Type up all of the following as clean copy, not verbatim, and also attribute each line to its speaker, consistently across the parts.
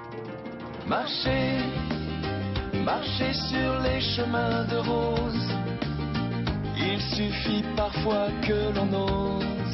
Speaker 1: Marcher, marcher sur les chemins de rose. Il suffit parfois que l'on ose.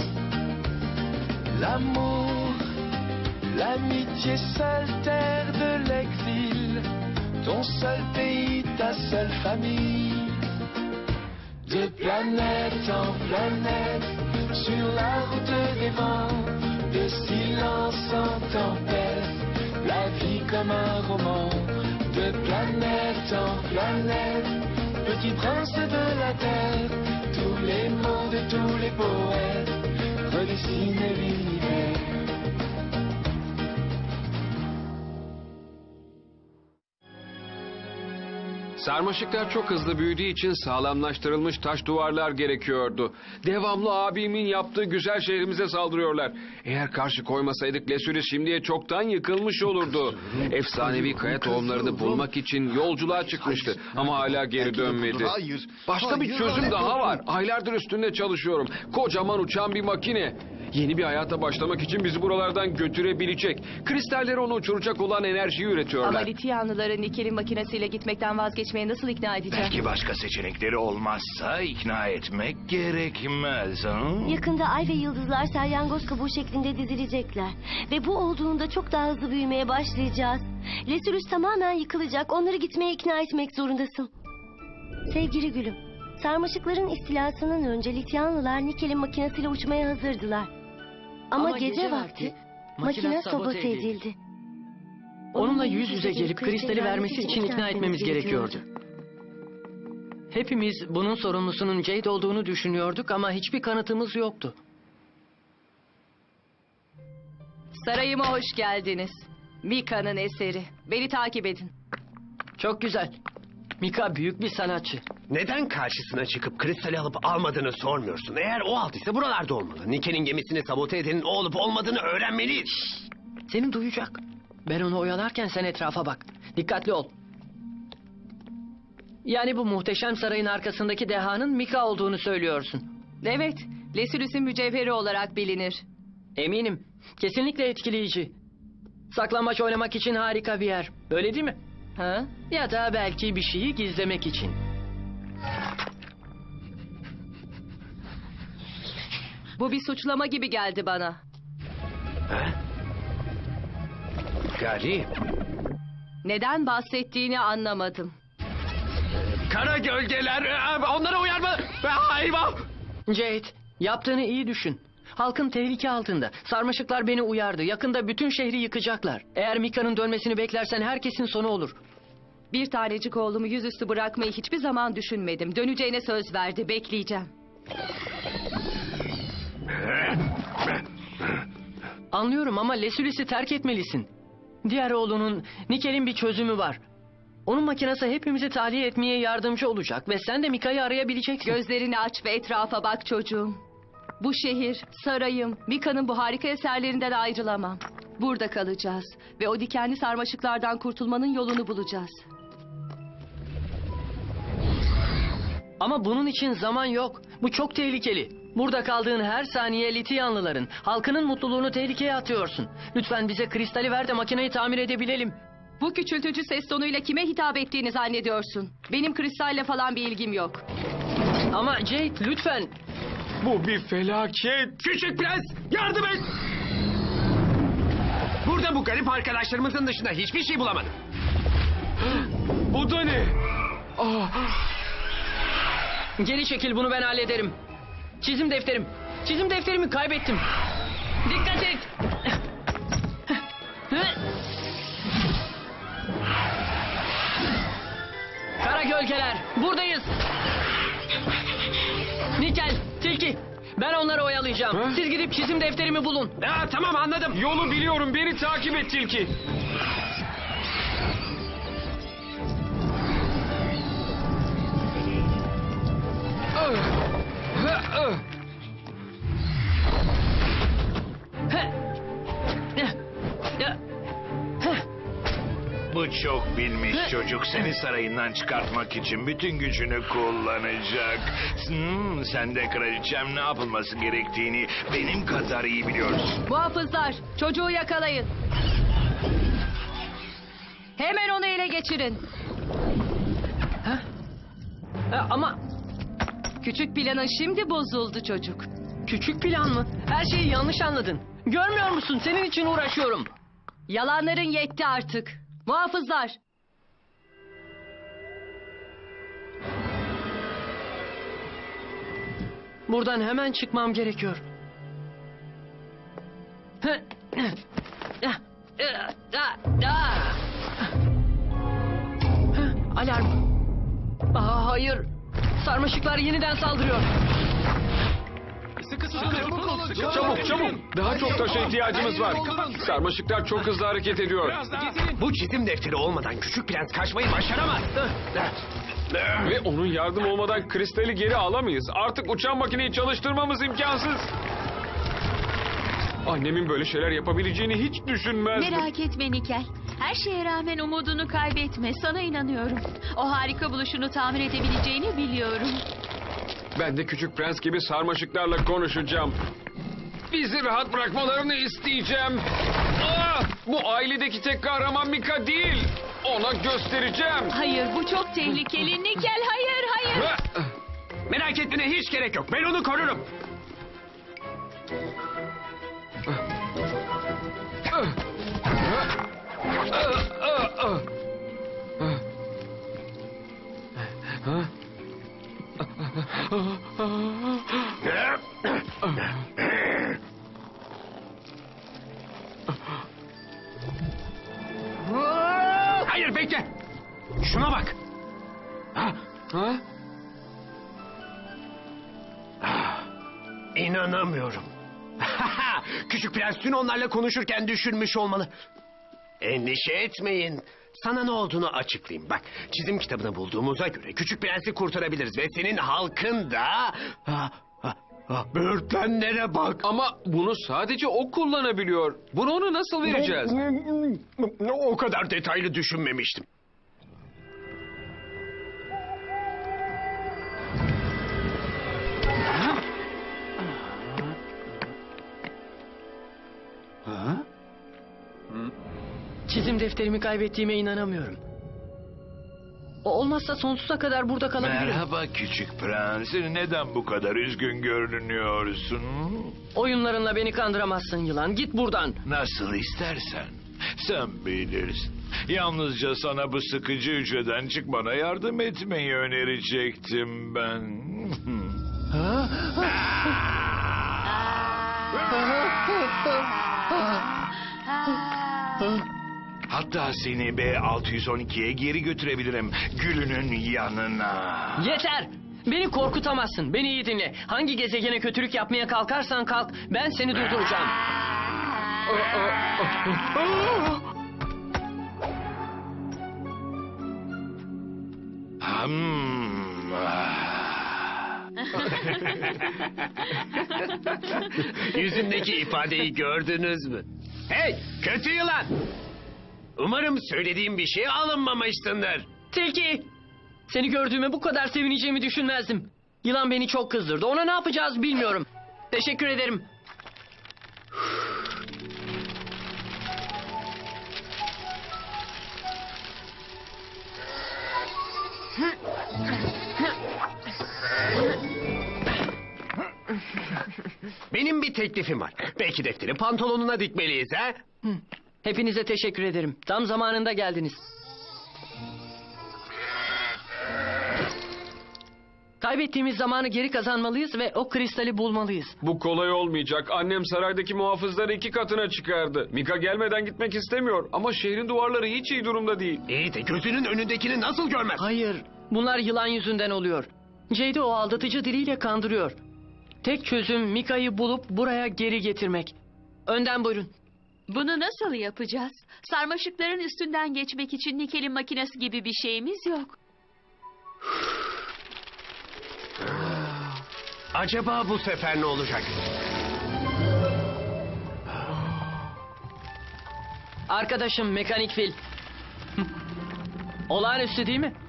Speaker 1: L'amour, l'amitié, seule terre de l'exil. Ton seul pays, ta seule famille. De planète en planète, sur la route des vents, de silence en tempête, la vie comme un roman. De planète en planète, petit prince de la terre, tous les mots de tous les poètes redessinent l'univers.
Speaker 2: Sarmaşıklar çok hızlı büyüdüğü için sağlamlaştırılmış taş duvarlar gerekiyordu. Devamlı abimin yaptığı güzel şehrimize saldırıyorlar. Eğer karşı koymasaydık Lesuri şimdiye çoktan yıkılmış olurdu. Efsanevi kaya tohumlarını bulmak için yolculuğa çıkmıştı ama hala geri dönmedi. Başka bir çözüm daha var. Aylardır üstünde çalışıyorum. Kocaman uçan bir makine. Yeni bir hayata başlamak için bizi buralardan götürebilecek. Kristalleri onu uçuracak olan enerjiyi üretiyorlar.
Speaker 3: Ama Lityanlıları Nikel'in makinesiyle gitmekten vazgeçmeye nasıl ikna edeceğim?
Speaker 4: Belki başka seçenekleri olmazsa ikna etmek gerekmez. Ha?
Speaker 5: Yakında ay ve yıldızlar salyangoz kabuğu şeklinde dizilecekler. Ve bu olduğunda çok daha hızlı büyümeye başlayacağız. Lesürüs tamamen yıkılacak. Onları gitmeye ikna etmek zorundasın. Sevgili gülüm, sarmaşıkların istilasından önce Lityanlılar Nikel'in makinesiyle uçmaya hazırdılar. Ama gece vakti makine sabote edildi.
Speaker 6: Onunla yüz yüze gelip kristali vermesi için ikna etmemiz gerekiyordu. Hepimiz bunun sorumlusunun Jade olduğunu düşünüyorduk ama hiçbir kanıtımız yoktu.
Speaker 3: Sarayıma hoş geldiniz. Mika'nın eseri. Beni takip edin.
Speaker 6: Çok güzel. Mika büyük bir sanatçı.
Speaker 7: Neden karşısına çıkıp kristali alıp almadığını sormuyorsun? Eğer o aldıysa buralarda olmalı. Nikel'in gemisini sabote edenin o olup olmadığını öğrenmeliyiz.
Speaker 6: Seni duyacak. Ben onu oyalarken sen etrafa bak. Dikkatli ol. Yani bu muhteşem sarayın arkasındaki dehanın Mika olduğunu söylüyorsun.
Speaker 3: Evet, Lesürüs'ün mücevheri olarak bilinir.
Speaker 6: Eminim. Kesinlikle etkileyici. Saklambaç oynamak için harika bir yer. Öyle değil mi?
Speaker 3: Ha?
Speaker 6: Ya da belki bir şeyi gizlemek için.
Speaker 3: Bu bir suçlama gibi geldi bana.
Speaker 7: Ha? Garip.
Speaker 3: Neden bahsettiğini anlamadım.
Speaker 7: Kara gölgeler. Onlara uyarma. Hayvan.
Speaker 6: Jade, yaptığını iyi düşün. Halkın tehlike altında. Sarmaşıklar beni uyardı. Yakında bütün şehri yıkacaklar. Eğer Mika'nın dönmesini beklersen herkesin sonu olur.
Speaker 3: Bir tanecik oğlumu yüzüstü bırakmayı hiçbir zaman düşünmedim. Döneceğine söz verdi. Bekleyeceğim.
Speaker 6: Anlıyorum ama Lesülis'i terk etmelisin. Diğer oğlunun, Nikel'in bir çözümü var. Onun makinesi hepimizi tahliye etmeye yardımcı olacak ve sen de Mika'yı arayabileceksin.
Speaker 3: Gözlerini aç ve etrafa bak çocuğum. Bu şehir, sarayım, Mika'nın bu harika eserlerinden ayrılamam. Burada kalacağız ve o dikenli sarmaşıklardan kurtulmanın yolunu bulacağız.
Speaker 6: Ama bunun için zaman yok. Bu çok tehlikeli. Burada kaldığın her saniye Lityanlıların, halkının mutluluğunu tehlikeye atıyorsun. Lütfen bize kristali ver de makineyi tamir edebilelim.
Speaker 3: Bu küçültücü ses tonuyla kime hitap ettiğini zannediyorsun? Benim kristalle falan bir ilgim yok.
Speaker 6: Ama Jade lütfen.
Speaker 2: Bu bir felaket.
Speaker 7: Küçük prens yardım et. Burada bu garip arkadaşlarımızın dışında hiçbir şey bulamadım.
Speaker 2: Bu da ne?
Speaker 6: Geri çekil, bunu ben hallederim. Çizim defterim. Çizim defterimi kaybettim. Dikkat et. Kara gölgeler, buradayız. Nikel, Tilki, ben onları oyalayacağım.
Speaker 2: Ha?
Speaker 6: Siz gidip çizim defterimi bulun.
Speaker 7: Tamam anladım.
Speaker 2: Yolu biliyorum. Beni takip et Tilki.
Speaker 4: Bu çok bilmiş çocuk seni sarayından çıkartmak için bütün gücünü kullanacak. Sen de kraliçem ne yapılması gerektiğini benim kadar iyi biliyorsun.
Speaker 3: Muhafızlar, çocuğu yakalayın. Hemen onu ele geçirin.
Speaker 6: Ama
Speaker 3: Küçük planın şimdi bozuldu çocuk.
Speaker 6: küçük plan mı? Her şeyi yanlış anladın. Görmüyor musun? Senin için uğraşıyorum.
Speaker 3: Yalanların yetti artık. Muhafızlar.
Speaker 6: Buradan hemen çıkmam gerekiyor. Alarm. Hayır. Sarmaşıklar yeniden saldırıyor.
Speaker 2: Çabuk çabuk. Daha çok taşa ihtiyacımız var. Sarmaşıklar çok hızlı hareket ediyor.
Speaker 7: Bu çizim defteri olmadan küçük prens kaçmayı başaramaz.
Speaker 2: Ve onun yardım olmadan kristali geri alamayız. Artık uçan makineyi çalıştırmamız imkansız. Annemin böyle şeyler yapabileceğini hiç düşünmezdim.
Speaker 8: Merak etme Nikel. Her şeye rağmen umudunu kaybetme. Sana inanıyorum. O harika buluşunu tamir edebileceğini biliyorum.
Speaker 2: Ben de küçük prens gibi sarmaşıklarla konuşacağım. Bizi rahat bırakmalarını isteyeceğim. Bu ailedeki tek kahraman Mika değil. Ona göstereceğim.
Speaker 8: Hayır, bu çok tehlikeli. Nikel, hayır, hayır.
Speaker 7: Merak etmene hiç gerek yok. Ben onu korurum. Hayır bekle. Şuna bak.
Speaker 2: Ha?
Speaker 7: İnanamıyorum. Küçük prens dün onlarla konuşurken düşünmüş olmalı. Endişe etmeyin. Sana ne olduğunu açıklayayım. Bak, çizim kitabını bulduğumuza göre küçük prensi kurtarabiliriz ve senin halkın da... Böğürtlenlere bak.
Speaker 2: Ama bunu sadece o kullanabiliyor. Bunu ona nasıl vereceğiz?
Speaker 7: O kadar detaylı düşünmemiştim.
Speaker 6: Çizim defterimi kaybettiğime inanamıyorum. O olmazsa sonsuza kadar burada kalabilirim.
Speaker 4: Merhaba küçük prens. Neden bu kadar üzgün görünüyorsun?
Speaker 6: Oyunlarınla beni kandıramazsın yılan. Git buradan.
Speaker 4: Nasıl istersen. Sen bilirsin. Yalnızca sana bu sıkıcı hücreden çıkmana yardım etmeyi önerecektim ben. Hatta seni B612'ye geri götürebilirim. Gülünün yanına.
Speaker 6: Yeter! Beni korkutamazsın. Beni iyi dinle. Hangi gezegene kötülük yapmaya kalkarsan kalk, ben seni durduracağım.
Speaker 7: Yüzündeki ifadeyi gördünüz mü? Hey, kötü yılan! Umarım söylediğim bir şeye alınmamışsındır.
Speaker 6: Tilki! Seni gördüğüme bu kadar sevineceğimi düşünmezdim. Yılan beni çok kızdırdı. Ona ne yapacağız bilmiyorum. Teşekkür ederim.
Speaker 7: Benim bir teklifim var. Belki defteri pantolonuna dikmeliyiz ha?
Speaker 6: Hepinize teşekkür ederim. Tam zamanında geldiniz. Kaybettiğimiz zamanı geri kazanmalıyız ve o kristali bulmalıyız.
Speaker 2: Bu kolay olmayacak. Annem saraydaki muhafızları 2 katına çıkardı. Mika gelmeden gitmek istemiyor. Ama şehrin duvarları hiç iyi durumda değil.
Speaker 7: İyi de gözünün önündekini nasıl görmez?
Speaker 6: Hayır, bunlar yılan yüzünden oluyor. Jade o aldatıcı diliyle kandırıyor. Tek çözüm Mika'yı bulup buraya geri getirmek. Önden buyurun.
Speaker 8: Bunu nasıl yapacağız? Sarmaşıkların üstünden geçmek için Nikel'in makinesi gibi bir şeyimiz yok.
Speaker 7: Acaba bu sefer ne olacak?
Speaker 6: Arkadaşım Mekanik Fil. Olağanüstü değil mi?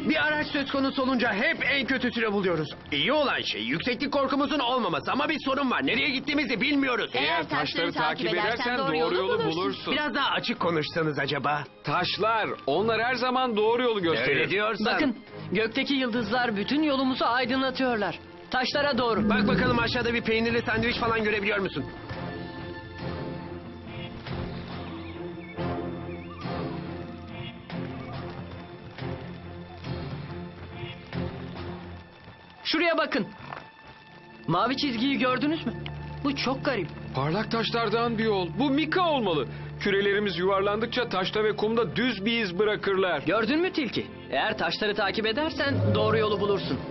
Speaker 7: Bir araç söz konusu olunca hep en kötüsünü buluyoruz. İyi olan şey yükseklik korkumuzun olmaması ama bir sorun var. Nereye gittiğimizi bilmiyoruz.
Speaker 2: Eğer taşları takip edersen doğru yolu bulursun.
Speaker 7: Biraz daha açık konuşsanız acaba?
Speaker 2: Taşlar, onlar her zaman doğru yolu gösterir.
Speaker 7: Öyle diyorsan.
Speaker 6: Bakın, gökteki yıldızlar bütün yolumuzu aydınlatıyorlar. Taşlara doğru.
Speaker 7: Bak bakalım aşağıda bir peynirli sandviç falan görebiliyor musun?
Speaker 6: Şuraya bakın. Mavi çizgiyi gördünüz mü? Bu çok garip.
Speaker 2: Parlak taşlardan bir yol. Bu Mika olmalı. Kürelerimiz yuvarlandıkça taşta ve kumda düz bir iz bırakırlar.
Speaker 6: Gördün mü tilki? Eğer taşları takip edersen doğru yolu bulursun.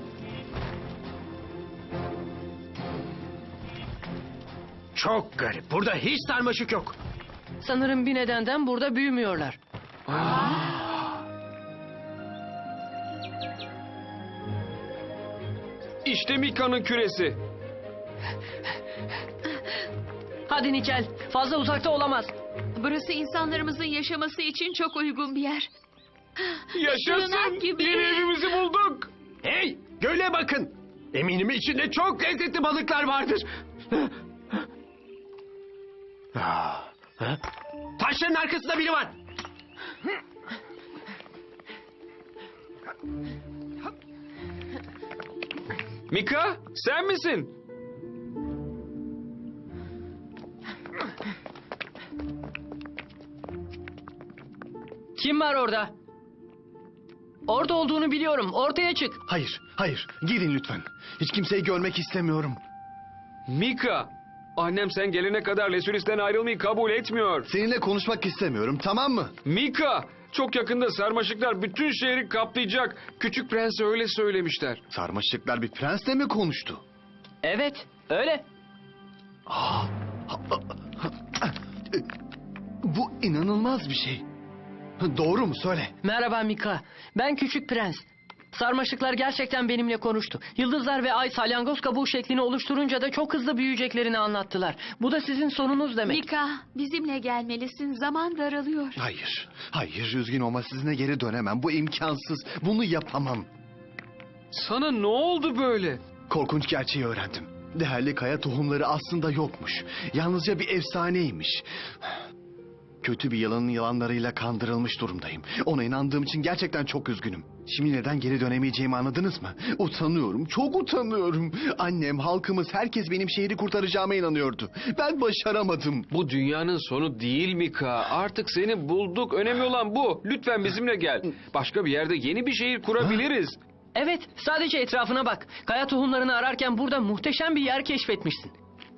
Speaker 7: Çok garip. Burada hiç sarmaşık yok.
Speaker 6: Sanırım bir nedenden burada büyümüyorlar.
Speaker 2: İşte Mika'nın küresi.
Speaker 6: Hadi Nikel, fazla uzakta olamaz.
Speaker 8: Burası insanlarımızın yaşaması için çok uygun bir yer.
Speaker 2: Yaşasın.
Speaker 8: Sığınak gibi.
Speaker 2: Yeni evimizi bulduk.
Speaker 7: Hey, göle bakın. Eminim içinde çok lezzetli balıklar vardır. Ah, ha? Taşların arkasında biri var.
Speaker 2: Mika, sen misin?
Speaker 6: Kim var orada? Orada olduğunu biliyorum. Ortaya çık.
Speaker 9: Hayır, hayır. Gidin lütfen. Hiç kimseyi görmek istemiyorum.
Speaker 2: Mika, annem sen gelene kadar Lesuris'ten ayrılmayı kabul etmiyor.
Speaker 9: Seninle konuşmak istemiyorum, tamam mı?
Speaker 2: Mika, çok yakında sarmaşıklar bütün şehri kaplayacak. Küçük Prens'e öyle söylemişler.
Speaker 9: Sarmaşıklar bir prensle mi konuştu?
Speaker 6: Evet, öyle.
Speaker 9: Bu inanılmaz bir şey. Doğru mu? Söyle.
Speaker 6: Merhaba Mika. Ben Küçük Prens. Sarmaşıklar gerçekten benimle konuştu. Yıldızlar ve ay salyangoz kabuğu şeklini oluşturunca da çok hızlı büyüyeceklerini anlattılar. Bu da sizin sonunuz demek.
Speaker 8: Mika, bizimle gelmelisin. Zaman daralıyor.
Speaker 9: Hayır, hayır. Üzgün olma, sizinle geri dönemem. Bu imkansız. Bunu yapamam.
Speaker 2: Sana ne oldu böyle?
Speaker 9: Korkunç gerçeği öğrendim. Değerli kaya tohumları aslında yokmuş. Yalnızca bir efsaneymiş. Kötü bir yılanın yılanlarıyla kandırılmış durumdayım. Ona inandığım için gerçekten çok üzgünüm. Şimdi neden geri dönemeyeceğimi anladınız mı? Utanıyorum, çok utanıyorum. Annem, halkımız, herkes benim şehri kurtaracağıma inanıyordu. Ben başaramadım.
Speaker 2: Bu dünyanın sonu değil Mika. Artık seni bulduk. Önemli olan bu. Lütfen bizimle gel. Başka bir yerde yeni bir şehir kurabiliriz.
Speaker 6: Evet, sadece etrafına bak. Kaya tohumlarını ararken burada muhteşem bir yer keşfetmişsin.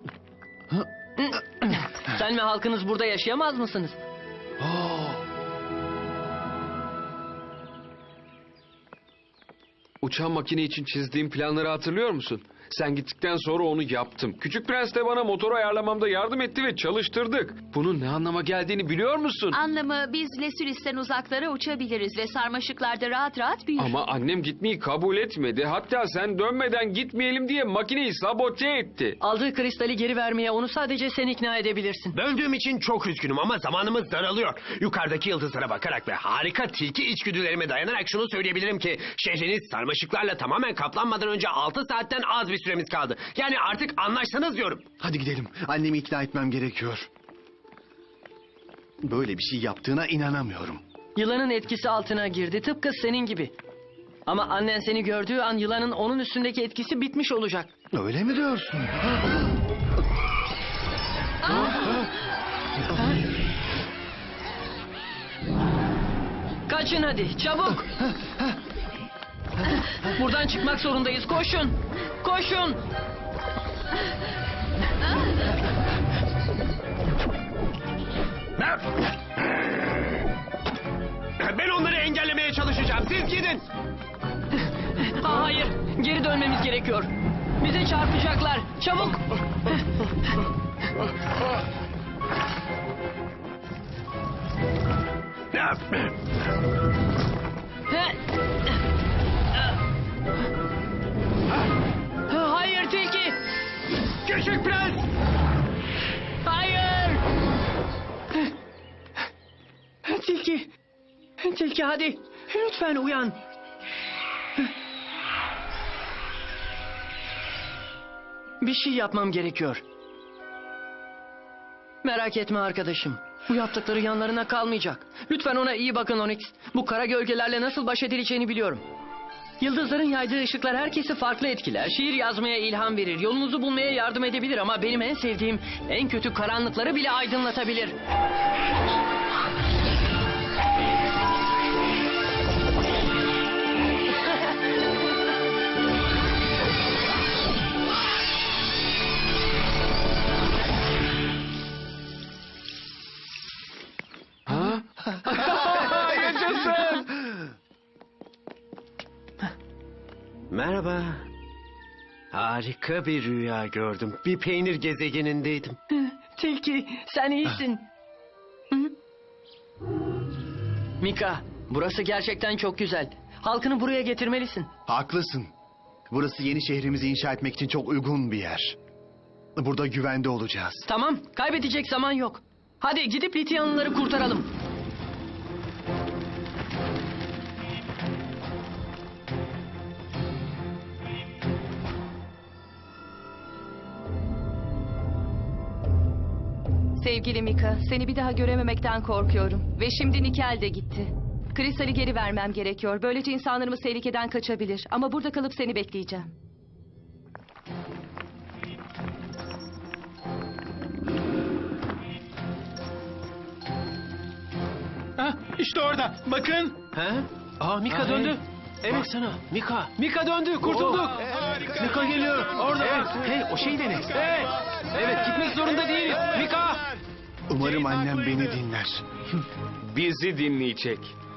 Speaker 6: Sen ve halkınız burada yaşayamaz mısınız?
Speaker 2: Uçan makine için çizdiğim planları hatırlıyor musun? Sen gittikten sonra onu yaptım. Küçük Prens de bana motoru ayarlamamda yardım etti ve çalıştırdık. Bunun ne anlama geldiğini biliyor musun?
Speaker 8: Anlamı biz Lesuris'ten uzaklara uçabiliriz ve sarmaşıklarda rahat rahat büyür.
Speaker 2: Ama annem gitmeyi kabul etmedi. Hatta sen dönmeden gitmeyelim diye makineyi sabote etti.
Speaker 6: Aldığı kristali geri vermeye onu sadece sen ikna edebilirsin.
Speaker 7: Böldüğüm için çok üzgünüm ama zamanımız daralıyor. Yukarıdaki yıldızlara bakarak ve harika tilki içgüdülerime dayanarak şunu söyleyebilirim ki... ...şehriniz sarmaşıklarla tamamen kaplanmadan önce 6 saatten az bir süremiz kaldı. Yani artık anlaşsanız diyorum.
Speaker 9: Hadi gidelim. Annemi ikna etmem gerekiyor. Böyle bir şey yaptığına inanamıyorum.
Speaker 6: Yılanın etkisi altına girdi, tıpkı senin gibi. Ama annen seni gördüğü an yılanın onun üstündeki etkisi bitmiş olacak.
Speaker 9: Öyle mi diyorsun?
Speaker 6: Kaçın hadi, çabuk! Buradan çıkmak zorundayız, koşun! Koşun!
Speaker 7: Ben onları engellemeye çalışacağım. Siz gidin.
Speaker 6: Hayır, geri dönmemiz gerekiyor. Bize çarpacaklar, çabuk! Hayır tilki!
Speaker 7: Küçük Prens.
Speaker 6: Hayır! Tilki! Tilki hadi! Lütfen uyan! Bir şey yapmam gerekiyor. Merak etme arkadaşım. Bu yaptıkları yanlarına kalmayacak. Lütfen ona iyi bakın Onyx. Bu kara gölgelerle nasıl baş edileceğini biliyorum. Yıldızların yaydığı ışıklar herkesi farklı etkiler. Şiir yazmaya ilham verir. Yolunuzu bulmaya yardım edebilir ama benim en sevdiğim en kötü karanlıkları bile aydınlatabilir.
Speaker 2: Yaşasın!
Speaker 7: Merhaba. Harika bir rüya gördüm. Bir peynir gezegenindeydim.
Speaker 6: Tilki, sen iyisin. Mika, burası gerçekten çok güzel. Halkını buraya getirmelisin.
Speaker 9: Haklısın. Burası yeni şehrimizi inşa etmek için çok uygun bir yer. Burada güvende olacağız.
Speaker 6: Tamam, kaybedecek zaman yok. Hadi gidip Lityanlıları kurtaralım.
Speaker 3: Sevgili Mika, seni bir daha görememekten korkuyorum. Ve şimdi Nikel de gitti. Kristal'i geri vermem gerekiyor. Böylece insanlarımız tehlikeden kaçabilir. Ama burada kalıp seni bekleyeceğim.
Speaker 10: İşte orada. Bakın.
Speaker 7: He? Aa Mika döndü. Evet. Baksana Mika. Mika döndü. Kurtulduk.
Speaker 10: Mika geliyor. Orada.
Speaker 7: Evet. Hey o şey dene.
Speaker 10: Hey.
Speaker 7: Evet gitmek zorunda değiliz. Mika.
Speaker 9: Umarım annem beni dinler.
Speaker 2: Bizi dinleyecek.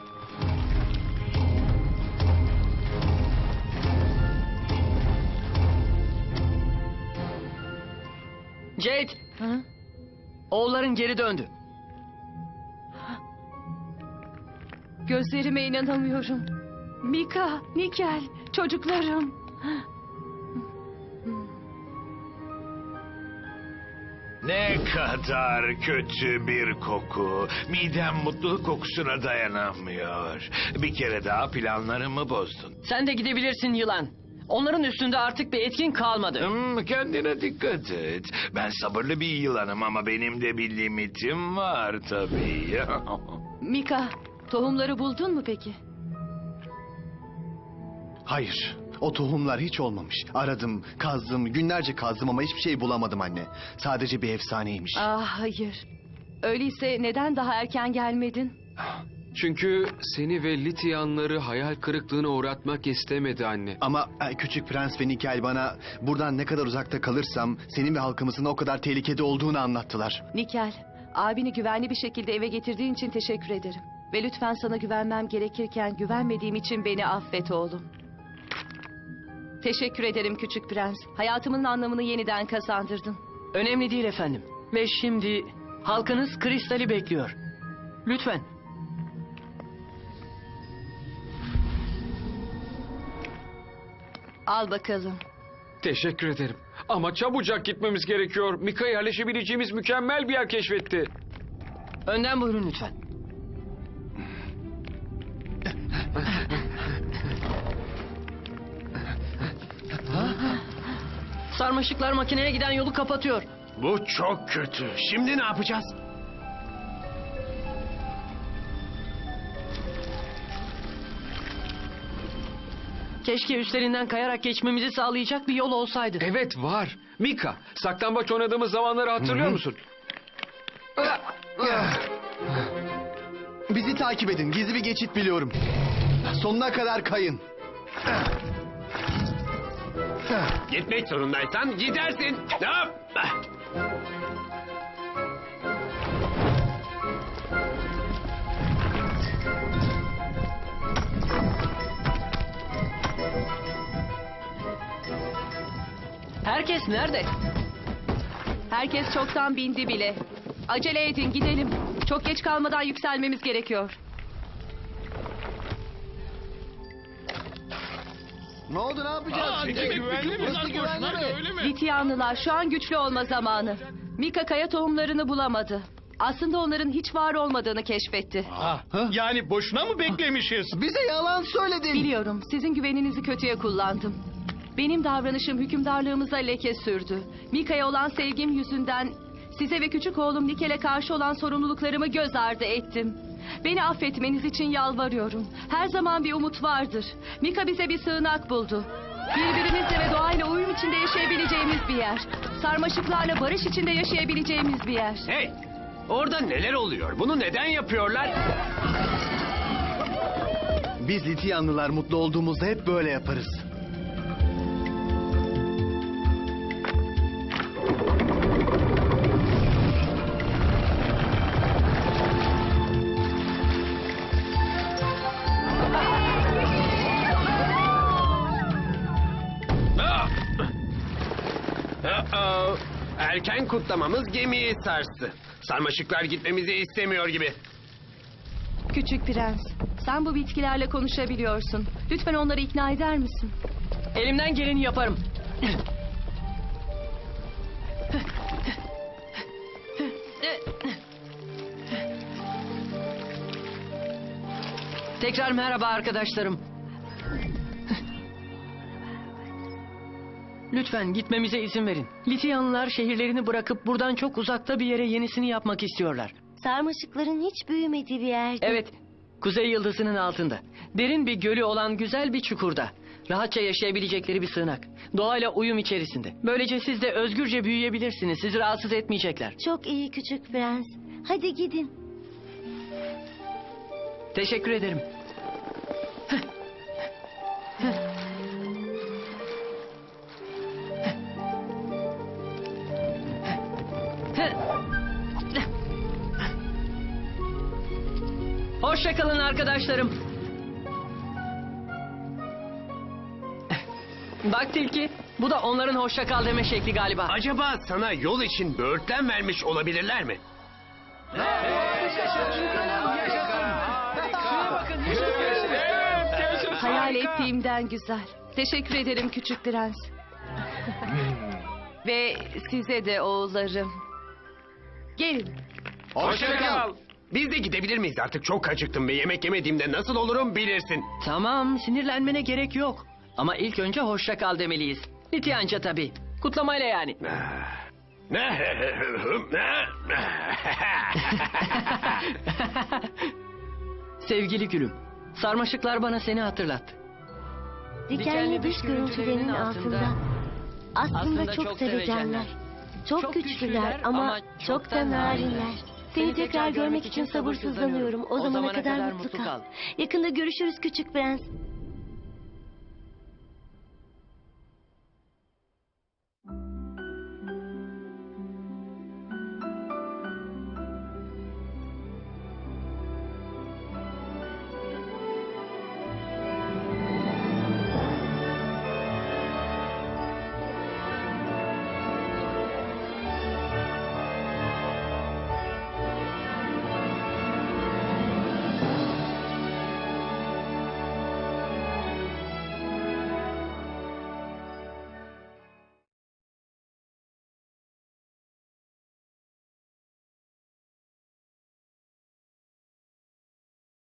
Speaker 6: Jade, oğulların geri döndü.
Speaker 3: Gözlerime inanamıyorum. Mika, Nikel, çocuklarım.
Speaker 4: Ne kadar kötü bir koku. Midem mutluluk kokusuna dayanamıyor. Bir kere daha planlarımı bozdun.
Speaker 6: Sen de gidebilirsin yılan. Onların üstünde artık bir etkin kalmadı.
Speaker 4: Kendine dikkat et. Ben sabırlı bir yılanım ama benim de bir limitim var tabii.
Speaker 3: Mika, tohumları buldun mu peki?
Speaker 9: Hayır. O tohumlar hiç olmamış. Aradım, kazdım, günlerce kazdım ama hiçbir şey bulamadım anne. Sadece bir efsaneymiş.
Speaker 3: Ah hayır. Öyleyse neden daha erken gelmedin?
Speaker 2: Çünkü seni ve Lityanları hayal kırıklığına uğratmak istemedi anne.
Speaker 9: Ama küçük prens ve Nikel bana buradan ne kadar uzakta kalırsam senin ve halkımızın o kadar tehlikede olduğunu anlattılar.
Speaker 3: Nikel, abini güvenli bir şekilde eve getirdiğin için teşekkür ederim. Ve lütfen sana güvenmem gerekirken güvenmediğim için beni affet oğlum. Teşekkür ederim küçük prens. Hayatımın anlamını yeniden kazandırdın.
Speaker 6: Önemli değil efendim. Ve şimdi halkınız Kristal'i bekliyor. Lütfen.
Speaker 3: Al bakalım.
Speaker 2: Teşekkür ederim. Ama çabucak gitmemiz gerekiyor. Mika yerleşebileceğimiz mükemmel bir yer keşfetti.
Speaker 6: Önden buyurun lütfen. Sarmaşıklar makineye giden yolu kapatıyor.
Speaker 7: Bu çok kötü. Şimdi ne yapacağız?
Speaker 6: Keşke üstlerinden kayarak geçmemizi sağlayacak bir yol olsaydı.
Speaker 2: Evet var. Mika, saklambaç oynadığımız zamanları hatırlıyor musun?
Speaker 9: Bizi takip edin. Gizli bir geçit biliyorum. Sonuna kadar kayın.
Speaker 7: Gitmek zorundaysan gidersin. Hop.
Speaker 6: Herkes nerede?
Speaker 3: Herkes çoktan bindi bile. Acele edin gidelim. Çok geç kalmadan yükselmemiz gerekiyor.
Speaker 9: Ne oldu, ne yapacağız?
Speaker 10: Burası güvenli mi?
Speaker 3: Lityanlılar şu an güçlü olma zamanı. Mika kaya tohumlarını bulamadı. Aslında onların hiç var olmadığını keşfetti.
Speaker 10: Yani boşuna mı beklemişiz?
Speaker 9: Bize yalan söyledin.
Speaker 3: Biliyorum sizin güveninizi kötüye kullandım. Benim davranışım hükümdarlığımıza leke sürdü. Mika'ya olan sevgim yüzünden size ve küçük oğlum Nikel'e karşı olan sorumluluklarımı göz ardı ettim. Beni affetmeniz için yalvarıyorum. Her zaman bir umut vardır. Mika bize bir sığınak buldu. Birbirimizle ve doğayla uyum içinde yaşayabileceğimiz bir yer. Sarmaşıklarla barış içinde yaşayabileceğimiz bir yer.
Speaker 7: Hey! Orada neler oluyor? Bunu neden yapıyorlar?
Speaker 9: Biz Lityanlılar mutlu olduğumuzda hep böyle yaparız.
Speaker 7: Erken kutlamamız gemiyi sarstı. Sarmaşıklar gitmemizi istemiyor gibi.
Speaker 3: Küçük prens, sen bu bitkilerle konuşabiliyorsun. Lütfen onları ikna eder misin?
Speaker 6: Elimden geleni yaparım. Tekrar merhaba arkadaşlarım. Lütfen gitmemize izin verin. Lityanlılar şehirlerini bırakıp buradan çok uzakta bir yere yenisini yapmak istiyorlar.
Speaker 5: Sarmaşıkların hiç büyümediği bir yerde.
Speaker 6: Evet, Kuzey Yıldızı'nın altında. Derin bir gölü olan güzel bir çukurda. Rahatça yaşayabilecekleri bir sığınak. Doğayla uyum içerisinde. Böylece siz de özgürce büyüyebilirsiniz. Sizi rahatsız etmeyecekler.
Speaker 5: Çok iyi küçük prens. Hadi gidin.
Speaker 6: Teşekkür ederim. Hoşça kalın arkadaşlarım. Bak Tilki, bu da onların hoşça kal deme şekli galiba.
Speaker 7: Acaba sana yol için böğürtlen vermiş olabilirler mi?
Speaker 3: Hayal ettiğimden güzel. Teşekkür ederim küçük prens. Ve size de oğullarım. Gelin.
Speaker 7: Hoşça kal. Biz de gidebilir miyiz artık? Çok acıktım ve yemek yemediğimde nasıl olurum bilirsin.
Speaker 6: Tamam, sinirlenmene gerek yok. Ama ilk önce hoşça kal demeliyiz. Lityanca tabii. Kutlamayla yani. Sevgili gülüm, sarmaşıklar bana seni hatırlattı.
Speaker 5: Dikenli dış görüntülerinin altında aslında çok sevecenler. Çok güçlüler ama çok da narinler. Seni tekrar görmek için sabırsızlanıyorum. O zamana kadar mutlu kal. Yakında görüşürüz küçük prens.